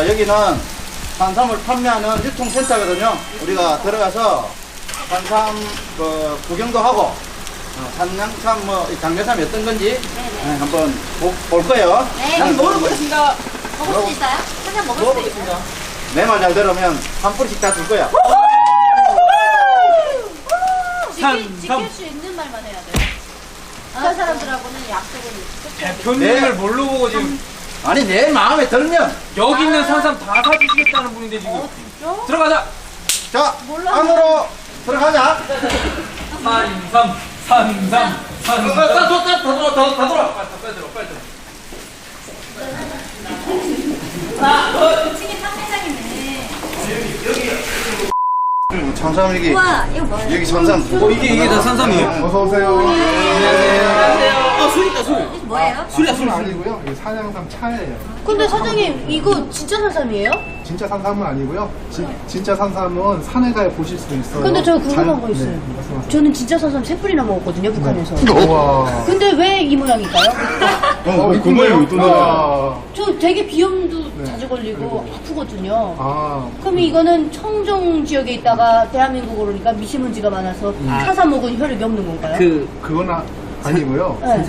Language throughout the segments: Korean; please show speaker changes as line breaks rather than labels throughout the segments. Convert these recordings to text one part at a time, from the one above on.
자, 여기는 산삼을 판매하는 유통센터거든요. 우리가 들어가서 산삼 구경도 하고 산양삼 장례삼이 어떤 건지 한번 볼 거예요.
네, 먹어보겠습니다. 먹을 수 있어요? 한 잔 먹을 수 있어요?
내 말 잘 들으면 한 뿌리씩 다 줄 거야.
지킬 수 있는 말만 해야 돼요. 다른 사람들하고는 약속을
대표님을 뭘로 보고 지금
아니, 내 마음에 들면
여기 있는 산삼 다 사주시겠다는 분인데 지금.
진짜?
들어가자.
자,
몰라.
안으로 들어가자.
산삼.
다 돌아.
빨리 들어.
치킨 탕매장이네.
산삼 여기.
우와, 이거 뭐예요?
여기 산삼.
이게 다 산삼이에요.
어서 오세요.
이거 뭐예요?
술은 아니고요. 이게 산양삼 차예요.
근데 사장님 이거 진짜 산삼이에요?
진짜 산삼은 아니고요. 진짜 산삼은 산에 가야 보실 수 있어요.
근데 저 궁금한 거 있어요.
네, 말씀하세요.
저는 진짜 산삼 3뿌리나 먹었거든요, 북한에서.
우와.
근데 왜 이 모양일까요?
궁금해요. 우와.
저 되게 비염도 자주 걸리고 아프거든요.
아,
그럼 이거는 청정 지역에 있다가 대한민국으로 오니까 미세먼지가 많아서 산삼 먹은 혈액이 없는 건가요?
그건 아니고요.
네.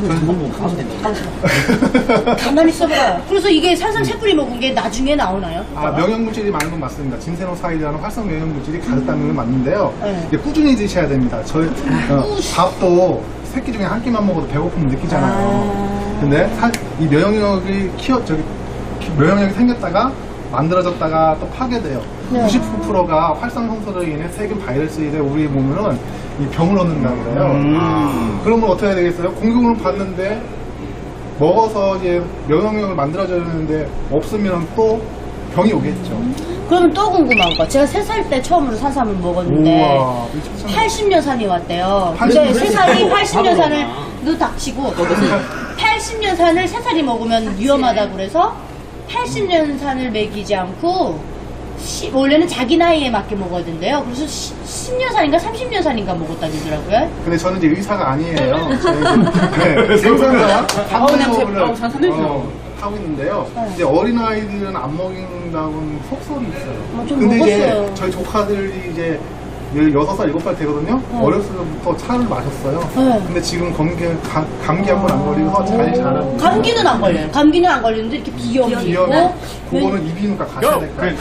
가만히 있어봐. 그래서 이게 산삼 3뿌리 먹은 게 나중에 나오나요?
아, 명형물질이 많은 건 맞습니다. 진세노사이드라는 활성 명형물질이 가득다는 건 맞는데요.
네.
이게 꾸준히 드셔야 됩니다. 밥도 새끼 중에 한 끼만 먹어도 배고픔 느끼잖아요. 근데 이 면역력이 면역력이 생겼다가 만들어졌다가 또 파괴돼요.
네.
99%가 활성성소로 인해 세균 바이러스에 대해 우리 몸은 이 병을 얻는다고 그래요. 그러면 어떻게 해야 되겠어요? 공격을 받는데 먹어서 이제 면역력을 만들어졌는데 없으면 또 병이 오겠죠.
그러면 또 궁금한 거. 제가 3살 때 처음으로 산삼을 먹었는데
우와,
80년 산이 왔대요.
80
근데
년이
3살이 80년 산을 너 닥치고 80년 산을 3살이 먹으면 위험하다고 그래서 80년 산을 먹이지 않고 원래는 자기 나이에 맞게 먹어야 된대요. 그래서 10년 산인가 30년 산인가 먹었다더라고요.
근데 저는 이제 의사가 아니에요. 네, 생산자 방송업을 하고 있는데요. 이제 어린아이들은 안 먹인다고는 속설이 있어요.
좀
근데 이제
먹었어요.
저희 조카들이 이제 16살, 7살 되거든요. 어렸을 때부터 차를 마셨어요.
네.
근데 지금 감기 한 번 안 걸리고 잘 자라고.
감기는 안 걸려요. 감기는 안 걸리는데 이렇게 비염이 있고
비염이 그거는 이비인후과 가셔야 될 거예요.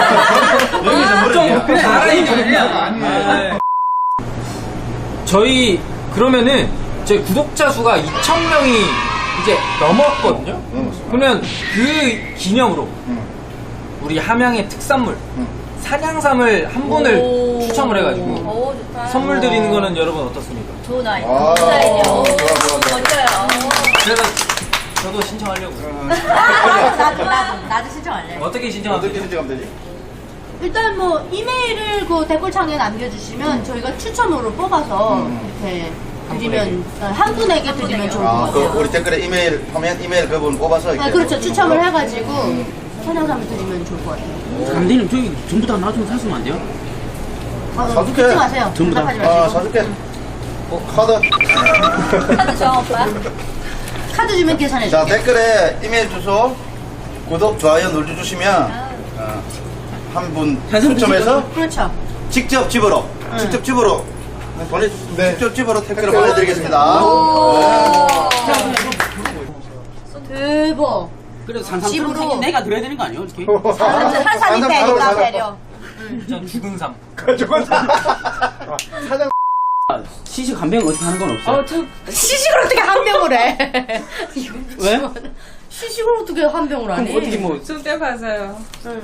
좀 알아야
아니에요.
저희 그러면은 저희 구독자 수가 2,000명이 이제 넘었거든요. 그러면 그 기념으로 우리 함양의 특산물 산양삼을 한 분을 추첨을 해가지고
오, 좋다.
선물 드리는 거는 여러분 어떻습니까?
좋은 아이디어.
아,
좋은 아이디어.
좋아, 좋아, 좋아.
멋져요.
그래서 저도 신청하려고요.
나도 신청할래.
어떻게 신청하세요?
어떻게 신청하면 되지?
일단 뭐 이메일을 그 댓글창에 남겨주시면 저희가 추첨으로 뽑아서 이렇게 드리면 한 분에게 드리면 좋을 것
아,
같아요.
우리 댓글에 이메일 하면 이메일 그분 뽑아서 이렇게.
그렇죠. 추첨을 해가지고 산양삼을 드리면 좋을 것 같아요.
감독님 저기 전부 다 나중에 사시면 안 돼요?
사줄게.
듣지 마세요.
전부 다.
답하지 마시고.
사줄게. 카드.
카드 줘, 오빠.
카드 주면 계산해
자,
줄게.
댓글에 이메일 주소, 구독, 좋아요 눌러주시면 한 분 추첨해서
그렇죠.
직접 집으로 보내주시면
네.
직접 집으로 택배를 보내드리겠습니다.
대박.
그래도 산삼
집으로.
내가 드려야 되는 거 아니에요? 이렇게?
산삼이 배니까 배려.
전 죽은 삼.
시식 한 병 어떻게 하는 건 없어요?
시식을 어떻게 한 병을 해?
왜?
시식을 어떻게 한 병을 안 해?
어떻게 뭐
쑥대 봐서요.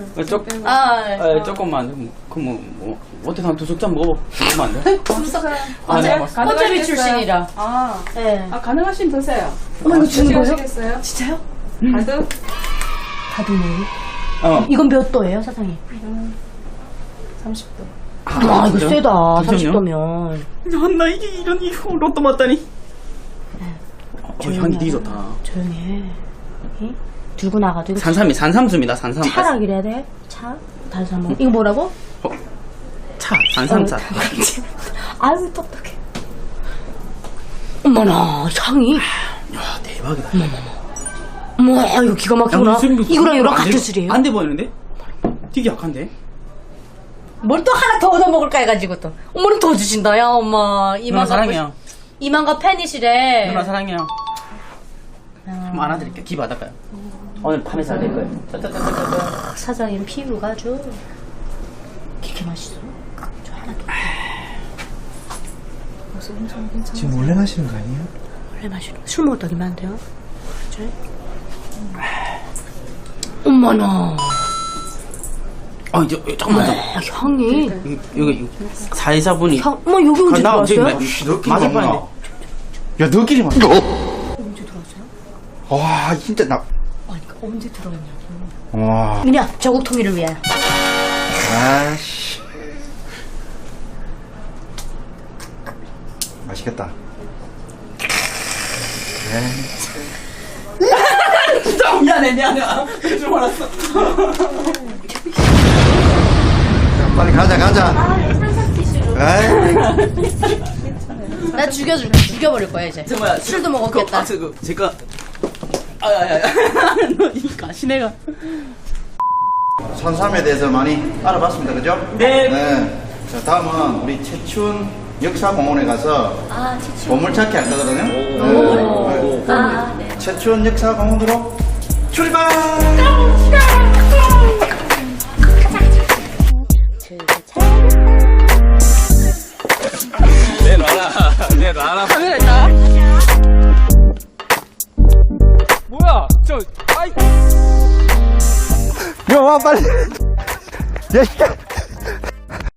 조금만 그뭐 어떻게 한 2숟갈 먹어보면 안 돼?
네,
꽃제비 출신이라.
아,
네.
가능하시면 드세요.
어머, 이거 주는 거예요?
드시겠어요?
진짜요?
가득?
다드네. 이건 몇 도예요, 사장님?
30도.
아, 이거 세다.
잠시만요.
30도면.
나 이게 이런 로또 맞다니. 향이 되게 좋다.
조용히 해. 응? 들고 나가도 이거
산삼수입니다. 산삼.
차라 그래야 돼? 차? 단삼. 이거 뭐라고?
차. 산삼차.
아유, 똑똑해. 어머나, 향이.
야 대박이다.
뭐 이거 기가 막히구나. 이거랑 이거랑 같은 술이에요?
안돼 보이는데? 되게 약한데?
뭘 또 하나 더 얻어먹을까 해가지고 또 어머니 더 주신다. 야 엄마
누나
이만가
사랑해요.
이만가 팬이시래.
누나 사랑해요. 한번 안아드릴게요. 기 받을까요? 오늘 밤에 잘 될 거예요. 짜짜짜짜짜.
사장님 피부가 아주 그렇게 맛있어. 저 하나 더.
지금 몰래 마시는 거 아니에요?
원래 마시는 술 먹었다기만 한데요. 그죠? 엄마나.
이제 잠깐만.
향이.
여기 사회자분이.
엄마 여기 언제
나
들어왔어요?
너끼리
맞을
먹나?
뻔했네.
야, 너끼리 먹나?
언제 들어왔어요?
와, 진짜 나.
아니 그러니까 언제 들어왔냐고.
와.
민야 저국 통일을 위하여.
아씨. 맛있겠다.
진짜 미안해. 줄 알았어.
빨리 가자. 에이.
나 죽여버릴 거야 이제.
뭐야?
술도 먹었겠다.
제가 아야야야. 너니까 시내가.
산삼에 대해서 많이 알아봤습니다. 그죠?
네.
자, 다음은 우리 채춘 역사공원에 가서
치추.
보물찾기 할 거거든요.
네.
채춘 역사공원으로 출발!
내놔라. 카메라 있다. 뭐야? 아이.
야, 와, 빨리. 야,